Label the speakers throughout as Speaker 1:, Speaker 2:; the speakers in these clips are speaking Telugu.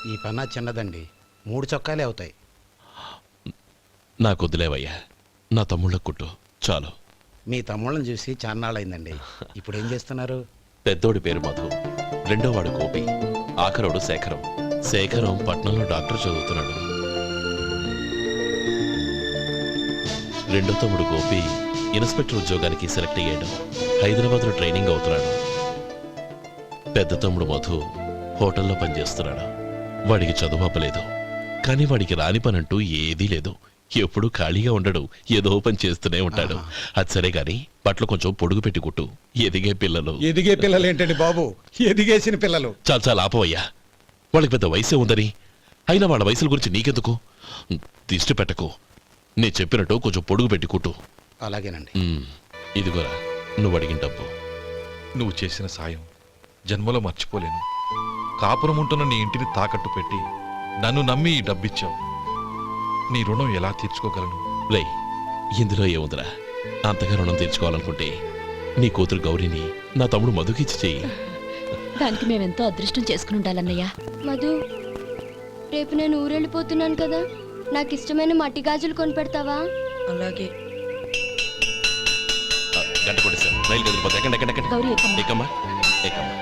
Speaker 1: ఈ పన్నా చిన్నదండి, 3 చొక్కాలే అవుతాయి.
Speaker 2: నాకు వదిలేవయ్యా, నా తమ్ముళ్ళ కుట్టు చాలు.
Speaker 1: మీ తమ్ముళ్ళని చూసి చాన్నాళ్ళైందండి. ఇప్పుడు ఏం చేస్తున్నారు?
Speaker 2: పెద్దోడి పేరు మధు, రెండోవాడు గోపి, ఆఖరోడు శేఖరం. శేఖరం పట్నంలో డాక్టర్ చదువుతున్నాడు. రెండో తమ్ముడు గోపి ఇన్స్పెక్టర్ ఉద్యోగానికి సెలెక్ట్ అయ్యాడు, హైదరాబాద్లో ట్రైనింగ్ అవుతున్నాడు. పెద్ద తమ్ముడు మధు హోటల్లో పనిచేస్తున్నాడు. వాడికి చదువు అప్పలేదు, కానీ వాడికి రాని పనంటూ ఏదీ లేదు. ఎప్పుడూ ఖాళీగా ఉండడు, ఏదో పని చేస్తూనే ఉంటాడు. అది సరే గాని బట్టలు కొంచెం పొడుగు పెట్టి కుట్టు. ఎదిగే పిల్లలు.
Speaker 1: ఎదిగే పిల్లలు ఏంటండి బాబు, ఎదిగేసిన పిల్లలు.
Speaker 2: చాలా చాలా ఆపవయ్యా, వాళ్ళకి పెద్ద వయసే ఉందని. అయినా వాళ్ళ వయసుల గురించి నీకెందుకు? దిష్టి పెట్టకు, నేను చెప్పినట్టు కొంచెం పొడుగు పెట్టి కుట్టు.
Speaker 1: అలాగేనండి.
Speaker 2: ఇదిగోరా నువ్వు అడిగిన డబ్బు.
Speaker 3: నువ్వు చేసిన సాయం జన్మలో మర్చిపోలేను. కాపురం ఉంటున్న నీ ఇంటిని తాకట్టు పెట్టి నన్ను నమ్మి ఈ డబ్బిచ్చావు. నీ రుణం ఎలా తీర్చుకోగలను?
Speaker 2: రేయ్, ఇందులో ఏముందిరా? అంతగా రుణం తీర్చుకోవాలనుకుంటే నీ కూతురు గౌరీని నా తమ్ముడు మధుకిచ్చి చెయ్యి.
Speaker 4: దానికి మేమెంతో అదృష్టం చేసుకుని ఉండాలన్నయ్య.
Speaker 5: మధు, రేపు నేను ఊరెళ్ళిపోతున్నాను కదా, నాకు ఇష్టమైన మట్టి గాజులు కొనిపెడతావా?
Speaker 6: అలాగే.
Speaker 2: గంట కొట్టేశాను, రైలు కదిలిపోతే ఎక్కండి ఎక్కండి ఎక్కండి.
Speaker 4: గౌరీ ఎక్కమ్మా.
Speaker 2: ఎక్కమ్మా ఎక్కమ్మా.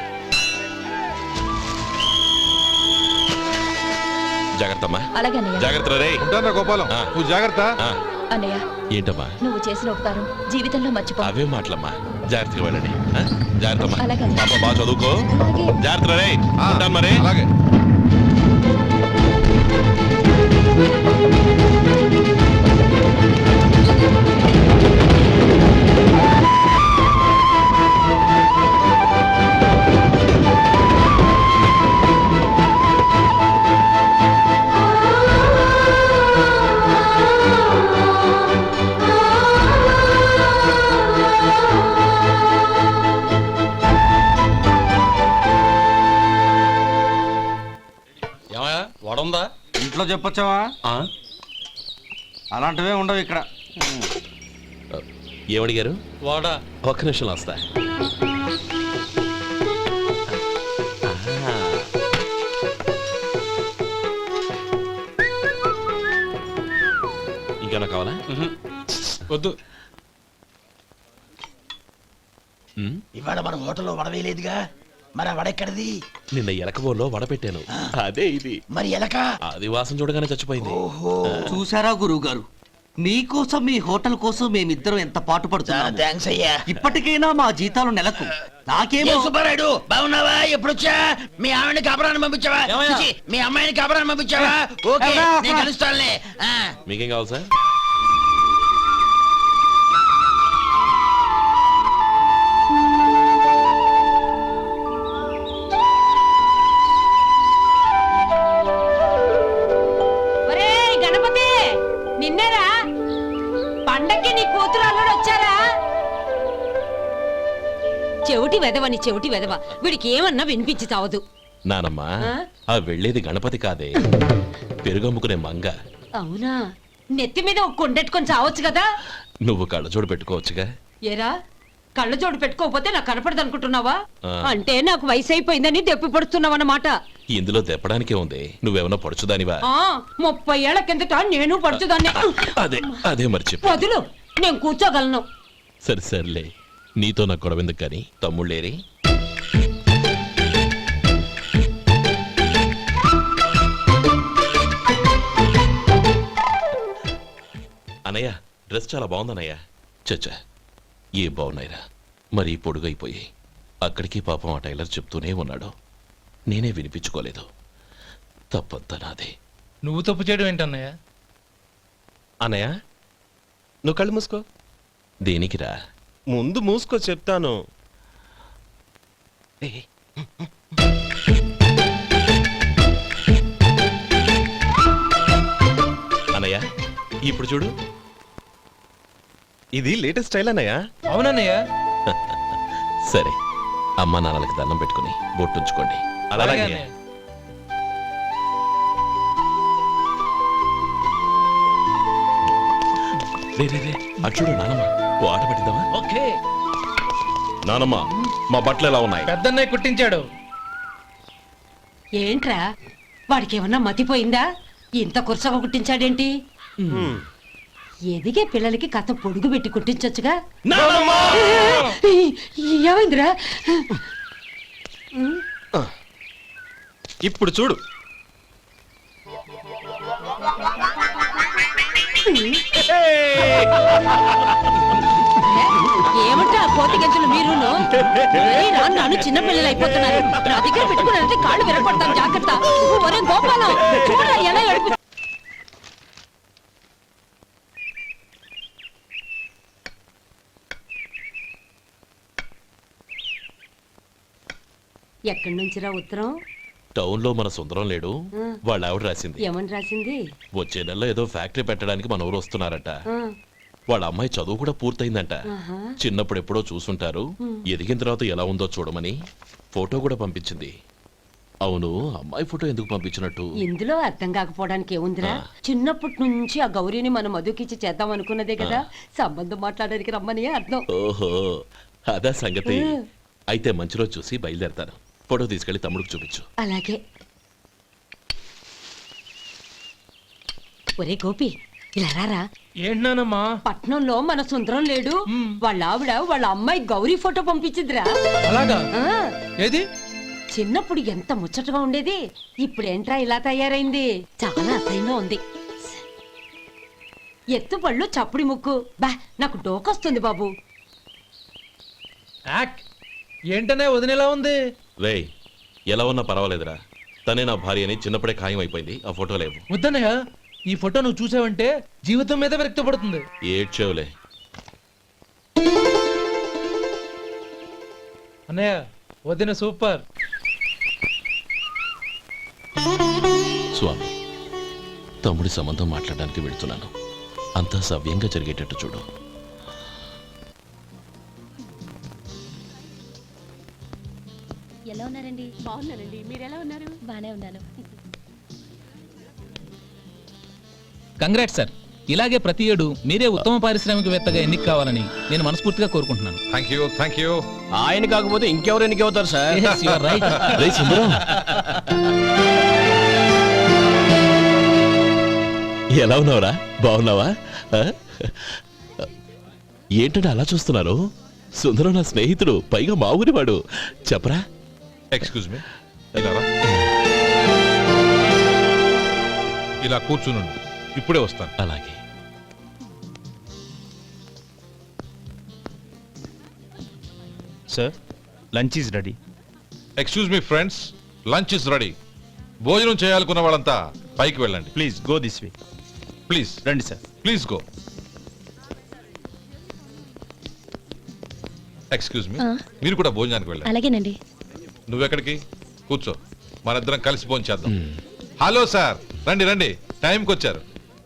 Speaker 2: జాగ్రత్తమ్మా.
Speaker 4: అలాగే అన్నయ్య.
Speaker 2: జాగ్రత్త రే.
Speaker 3: ఉంటానా గోపాలం, నువ్వు జాగ్రత్త.
Speaker 4: అన్నయ్య,
Speaker 2: ఏంటమ్మా
Speaker 4: నువ్వు చేసిన ఉపకారం జీవితంలో మర్చిపో.
Speaker 2: అవే మాటలమ్మా, జాగ్రత్తగా వెళ్ళండి. జాగ్రత్తమ్మా,
Speaker 4: అలాగే.
Speaker 2: పాప బాగా చదువుకో.
Speaker 5: అలాగే.
Speaker 2: జాగ్రత్త రే. ఉంటాను మరి.
Speaker 3: అలాగే.
Speaker 7: వడుందా?
Speaker 8: ఇంట్లో చెప్పొచ్చావా? అలాంటివే ఉండవు ఇక్కడ.
Speaker 2: ఏమడిగారు?
Speaker 7: వాడా.
Speaker 2: ఒక్క నిమిషం వస్తా. ఇంకేనా కావాలా?
Speaker 7: వద్దు.
Speaker 9: ఇవాళ మన హోటల్లో వడవేయలేదుగా, మరి ఆ వడెక్కడిది?
Speaker 2: నిన్న ఎలకబోలో వడ పెట్టాను, అదే ఇది.
Speaker 9: మరి ఎలక
Speaker 2: అది వాసన చూడగానే చచ్చిపోయింది.
Speaker 6: చూసారా గురువు గారు, మీకోసం మీ హోటల్ కోసం మేమిద్దరం ఎంత పాటు పడుతున్నాం.
Speaker 9: థాంక్స్ అయ్యా.
Speaker 6: ఇప్పటికైనా మా జీతాలు నెలకు నాకేమో.
Speaker 9: సుబ్బారాయుడు బాగున్నావా? ఎప్పుడొచ్చా? మీ ఆవిడని కబరాన్ని పంపించావా? చిచి, మీ అమ్మాయిని కబరాన్ని పంపించావా? ఓకే, నేను కలుస్తానులే.
Speaker 2: మీకేం కావాలి సార్?
Speaker 10: నిన్నేరా పండక్కి నీ కూతురు అల్లుడు వచ్చారా? చెవిటి వెదవని చెవిటి వెదవ, వీడికి ఏమన్నా వినిపించి చావదు.
Speaker 2: నానమ్మా, ఆ వెళ్ళేది గణపతి కాదే, పెరుగమ్ముకునే మంగ.
Speaker 10: అవునా? నెత్తి మీద ఒక కొండెట్టుకొని చావచ్చు కదా.
Speaker 2: నువ్వు కళ్ళజోడు పెట్టుకోవచ్చుగా.
Speaker 10: ఏరా, కళ్ళజోడు పెట్టుకోకపోతే నాకు కనపడదు అనుకుంటున్నావా? అంటే నాకు వయసు అయిపోయిందని దెప్పి పడుతున్నావన్నమాట.
Speaker 2: ఇందులో దెప్పడానికే ఉంది, నువ్వేమన్నా పడుచుదానివా?
Speaker 10: 30 ఏళ్ల కిందట నేను పడుచుదాన్ని.
Speaker 2: అదే అదే మరి చెప్పు.
Speaker 10: వదులు, నేను కూర్చోగలను.
Speaker 2: సరే సర్లే, నీతో నాకు గొడవ ఎందుకు కానీ. తమ్ముళ్ళేరి? అన్నయ్య, డ్రెస్ చాలా బాగుందన్నయ్య. చచ్చా, ఏ బాగున్నాయిరా, మరీ పొడుగైపోయి. అక్కడికి పాపం ఆ టైలర్ చెప్తూనే ఉన్నాడు, నేనే వినిపించుకోలేదు. తప్పంతా నాదే.
Speaker 7: నువ్వు తప్పు చేయడం ఏంటన్నయ్య?
Speaker 11: అన్నయ్య, నువ్వు కళ్ళు మూసుకో.
Speaker 2: దేనికిరా?
Speaker 11: ముందు మూసుకో చెప్తాను.
Speaker 2: అన్నయ్య, ఇప్పుడు చూడు.
Speaker 11: ఇది లేటెస్ట్ స్టైల్ అన్నయ్య.
Speaker 7: అవునన్నయ్య.
Speaker 2: సరే, అమ్మా నాన్నలకి దండం పెట్టుకుని బొట్టుంచుకోండి. అలాగే. అటు చూడు నానమ్మ, ఓ ఆట పట్టిద్దామా?
Speaker 7: ఓకే.
Speaker 2: నానమ్మ, మా బట్టలు ఎలా ఉన్నాయి?
Speaker 7: పెద్దన్నయ్య కుట్టించాడు.
Speaker 10: ఏంట్రా వాడికి ఏమన్నా మతిపోయిందా? ఇంత కురసగా కుట్టించాడేంటి? ఎదిగే పిల్లలకి కథ పొడుగు పెట్టి కుట్టించొచ్చుగా. ఏమైందిరా?
Speaker 11: ఇప్పుడు చూడు.
Speaker 10: ఏమంటే ఆ కోతి గంజలు మీరును నన్ను చిన్న పిల్లలు అయిపోతున్నారు. నా దగ్గర పెట్టుకున్నారంటే కాళ్ళు విరగొడతాను, జాగ్రత్త. ఒరే గోపాలం, చూడరా ఎలా ఏడుపు. ఎక్కడి నుంచిరా ఉత్తరం?
Speaker 2: టౌన్ లో మన సుందరం లేడు, వాళ్ళ ఆవిడ రాసింది.
Speaker 10: ఏమని రాసింది?
Speaker 2: వచ్చే నెలలో ఏదో ఫ్యాక్టరీ పెట్టడానికి మన ఊరు వస్తున్నారట.
Speaker 10: ఆ,
Speaker 2: వాళ్ళ అమ్మాయి చదువు కూడా పూర్తయిందంట.
Speaker 10: ఆహా.
Speaker 2: చిన్నప్పుడు ఎప్పుడో చూసుంటారు, ఎదిగిన తర్వాత ఎలా ఉందో చూడమని ఫోటో కూడా పంపించింది. అవును, అమ్మాయి ఫోటో ఎందుకు పంపించినట్టు?
Speaker 10: ఇందులో అర్థం కాకపోవడానికి ఏముందిరా? చిన్నప్పటి నుంచి ఆ గౌరీని మనం మధుకిచ్చి చేద్దాం అనుకున్నదే కదా. సంబంధం మాట్లాడడానికి రమ్మని అర్థం.
Speaker 2: ఓహో, అదా సంగతి. అయితే మంచి రోజు చూసి బయలుదేరతాను. ఫోటో తీసుకెళ్లి తమ్ముడికి చూపించు.
Speaker 10: అలాగే. ఒరే గోపి, ఇలా రారా.
Speaker 7: ఏంటన్నానమ్మా?
Speaker 10: పట్నంలో మన సుందరం లేడు, వాళ్ళ ఆవిడ వాళ్ళ అమ్మాయి గౌరీ ఫోటో పంపించిద్దిరా.
Speaker 7: అలాగా?
Speaker 10: ఆ,
Speaker 7: ఏది?
Speaker 10: చిన్నప్పుడు ఎంత ముచ్చటగా ఉండేది, ఇప్పుడేంట్రా ఇలా తయారైంది? చాలా అసహ్యంగా ఉంది. ఎత్తుపళ్ళు చప్పుడి ముక్కు, బా నాకు డోకొస్తుంది బాబు.
Speaker 7: యాక్ ఏంటనే వదినేలా ఉంది?
Speaker 2: రేయ్, ఎలా ఉన్నా పర్వాలేదురా. తనే నా భార్య అని చిన్నప్పుడే ఖాయం అయిపోయింది. ఆ ఫోటో లేవు.
Speaker 7: వద్దన్నయ్య, ఈ ఫోటో నువ్వు చూసావంటే జీవితం మీద విరక్తి పడుతుంది.
Speaker 2: ఏడ్చేవులే.
Speaker 7: అన్నయ్య, వదిన సూపర్.
Speaker 2: స్వామి, తమ్ముడి సంబంధం మాట్లాడడానికి వెళ్తున్నాను. అంతా సవ్యంగా జరిగేటట్టు చూడు.
Speaker 4: ఎలా ఉన్నారండి? బాగున్నానండి. మీరు ఎలా ఉన్నారు? బానే ఉన్నాను.
Speaker 12: Congrats sir. ఇలాగే ప్రతి ఏడు మీరే ఉత్తమ పారిశ్రామికవేత్తగా ఎన్నిక కావాలని నేను మనస్ఫూర్తిగా కోరుకుంటున్నాను.
Speaker 3: Thank you.
Speaker 11: ఆయన కాకపోతే ఇంకెవరు ఎన్నికవుతారు sir?
Speaker 12: Yes, you are right.
Speaker 2: రేయ్ సుందరం, ఎలా ఉన్నావురా? బాగున్నావా? ఆ? ఏంటంటే అలా చూస్తున్నారు? సుందరం నా స్నేహితుడు, పైగా మా ఊరివాడు. చెప్పరా?
Speaker 3: ఎక్స్క్యూజ్ మీ, ఇలా రా. ఇలా కూర్చునుండు, ఇప్పుడే వస్తాను.
Speaker 2: అలాగే.
Speaker 11: Sir, lunch is ready.
Speaker 3: Excuse me friends, lunch is ready. భోజనం చేయాలనుకున్న వాళ్ళంతా పైకి వెళ్ళండి.
Speaker 11: Please go this way.
Speaker 3: Please
Speaker 11: రండి sir.
Speaker 3: Please go. Excuse me, మీరు కూడా భోజనానికి వెళ్ళండి.
Speaker 4: అలాగేనండి.
Speaker 3: నువ్వెక్కడికి? కూర్చో, మనిద్దరం కలిసి భోజనం చేద్దాం. హలో సార్, రండి రండి, టైంకి వచ్చారు.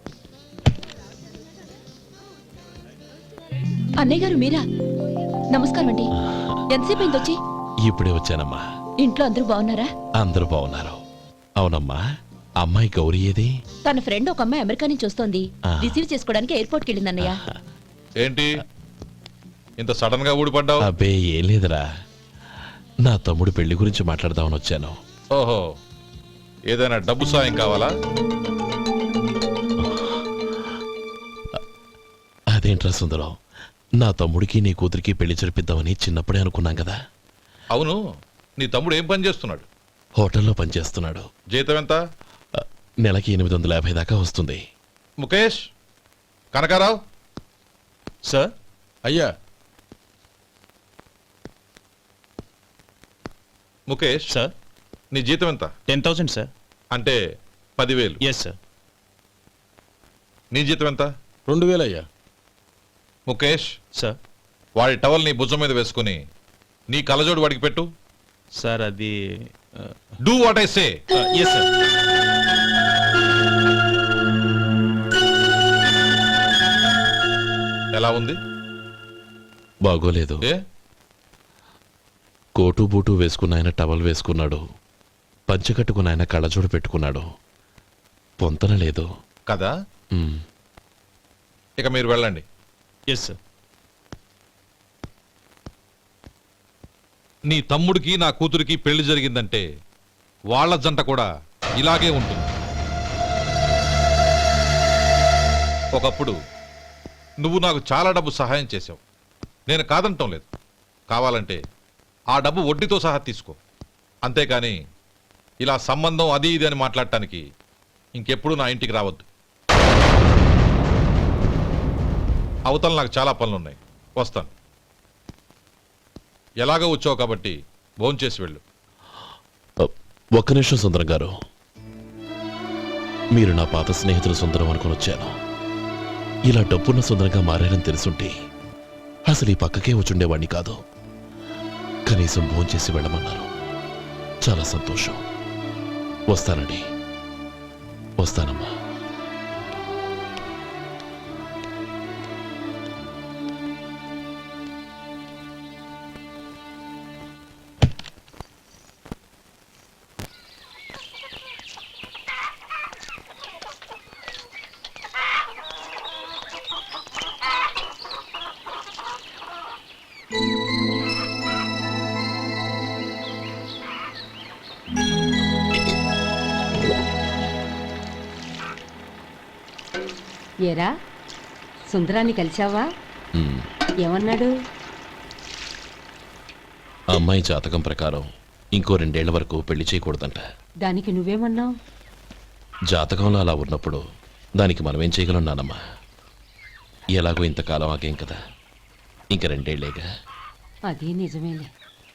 Speaker 4: అన్నయ్య గారు మీరా? నమస్కారం అండి. ఎంతసేపు అయింది వచ్చి?
Speaker 2: ఇప్పుడే వచ్చానమ్మా.
Speaker 4: ఇంట్లో అందరూ బాగున్నారా?
Speaker 2: అందరూ బాగున్నారు. అవునమ్మా, అమ్మాయి గౌరీ ఏది?
Speaker 4: తన ఫ్రెండ్ ఒక అమ్మాయి అమెరికా నుంచి వస్తోంది. రిసీవ్ చేసుకోవడానికి ఎయిర్పోర్ట్కి వెళ్ళింది అన్నయ్య.
Speaker 3: ఏంటి ఇంత సడన్ గా ఊడిపడ్డావు?
Speaker 2: అబ్బే ఏం లేదురా, నా తమ్ముడు పెళ్లి గురించి మాట్లాడదామని వచ్చాను.
Speaker 3: ఓహో, ఏదైనా డబ్బు సాయం కావాలా?
Speaker 2: అదేంట్రా సుందరం, నా తమ్ముడికి నీ కూతురికి పెళ్లి జరిపిద్దామని చిన్నప్పుడే అనుకున్నాం కదా.
Speaker 3: అవును, నీ తమ్ముడు ఏం పని చేస్తున్నాడు?
Speaker 2: హోటల్లో పనిచేస్తున్నాడు.
Speaker 3: జీతం ఎంత?
Speaker 2: నెలకి 850 దాకా వస్తుంది.
Speaker 3: ముఖేష్, కనకారావు.
Speaker 11: సార్.
Speaker 3: అయ్యా ముఖేష్,
Speaker 11: సార్.
Speaker 3: నీ జీతం ఎంత?
Speaker 11: 10,000 సార్.
Speaker 3: అంటే 10,000.
Speaker 11: Yes sir.
Speaker 3: నీ జీతం ఎంత?
Speaker 11: 2,000 అయ్యా.
Speaker 3: ముఖేష్
Speaker 11: సార్.
Speaker 3: వాడి టవల్ నీ భుజం మీద వేసుకుని నీ కలజోడు వాడికి పెట్టు.
Speaker 11: సార్ అది
Speaker 3: do what I say.
Speaker 11: Yes sir.
Speaker 3: ఎలా ఉంది?
Speaker 2: బాగోలేదు.
Speaker 3: ఏ?
Speaker 2: కోటు బూటు వేసుకున్న ఆయన టవల్ వేసుకున్నాడు, పంచె కట్టుకున్న ఆయన కళ్ళజోడు పెట్టుకున్నాడు. పొంతన లేదు
Speaker 3: కదా. ఇక మీరు వెళ్ళండి.
Speaker 11: Yes sir.
Speaker 3: నీ తమ్ముడికి నా కూతురికి పెళ్లి జరిగిందంటే వాళ్ళ జంట కూడా ఇలాగే ఉంటుంది. ఒకప్పుడు నువ్వు నాకు చాలా డబ్బు సహాయం చేసావు, నేను కాదంటం లేదు. కావాలంటే ఆ డబ్బు వడ్డీతో సహా తీసుకో, అంతేకాని ఇలా సంబంధం అది ఇది అని మాట్లాడటానికి ఇంకెప్పుడు నా ఇంటికి రావద్దు. అవతల నాకు చాలా పనులున్నాయి, వస్తాను. ఎలాగో వచ్చావు కాబట్టి భోంచేసి వెళ్ళు.
Speaker 2: ఒక్క నిమిషం సుందరం గారు, మీరు నా పాత స్నేహితులు సుందరం అనుకుని వచ్చాను. ఇలా డబ్బున్న సుందరంగా మారారని తెలుసుంటే అసలు ఈ పక్కకే వచ్చుండేవాణ్ణి కాదు. కనీసం భోంచేసి వెళ్ళమన్నారు, చాలా సంతోషం. వస్తానండి, వస్తానమ్మా.
Speaker 10: ఏరా సుందరాన్ని కలిశావా?
Speaker 2: ఉమ్.
Speaker 10: ఏమన్నాడు?
Speaker 2: ఆ అమ్మాయి జాతకం ప్రకారం ఇంకో 2 ఏళ్ల వరకు పెళ్లి చేయకూడదంట.
Speaker 10: దానికి నువ్వేమన్నావు?
Speaker 2: జాతకంలో అలా ఉన్నప్పుడు దానికి మనమేం చేయగలం నానమ్మా? ఎలాగో ఇంతకాలం ఆగేం కదా, ఇంక 2 ఏళ్లేగా.
Speaker 10: అది నిజమేలే.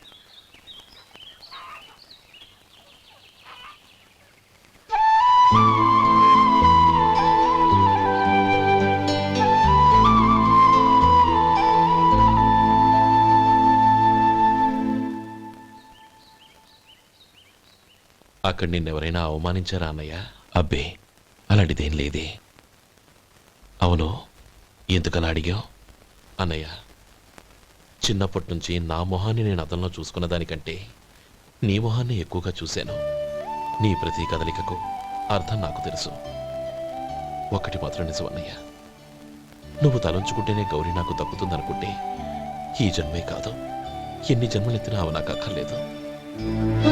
Speaker 2: అక్కడ నిన్నెవరైనా అవమానించారా అన్నయ్య? అబ్బే, అలాంటిదేం లేదే. అవును, ఎందుకలా అడిగావు? అన్నయ్య, చిన్నప్పటి నుంచి నా మొహాన్ని నేను అతనిలో చూసుకున్న దానికంటే నీ మొహాన్ని ఎక్కువగా చూశాను. నీ ప్రతి కదలికకు అర్థం నాకు తెలుసు. ఒకటి మాత్రం నిజం అన్నయ్య, నువ్వు తలంచుకుంటేనే గౌరీ నాకు దక్కుతుందనుకుంటే ఈ జన్మే కాదు, ఎన్ని జన్మలెత్తినా అవి నాకు అక్కర్లేదు.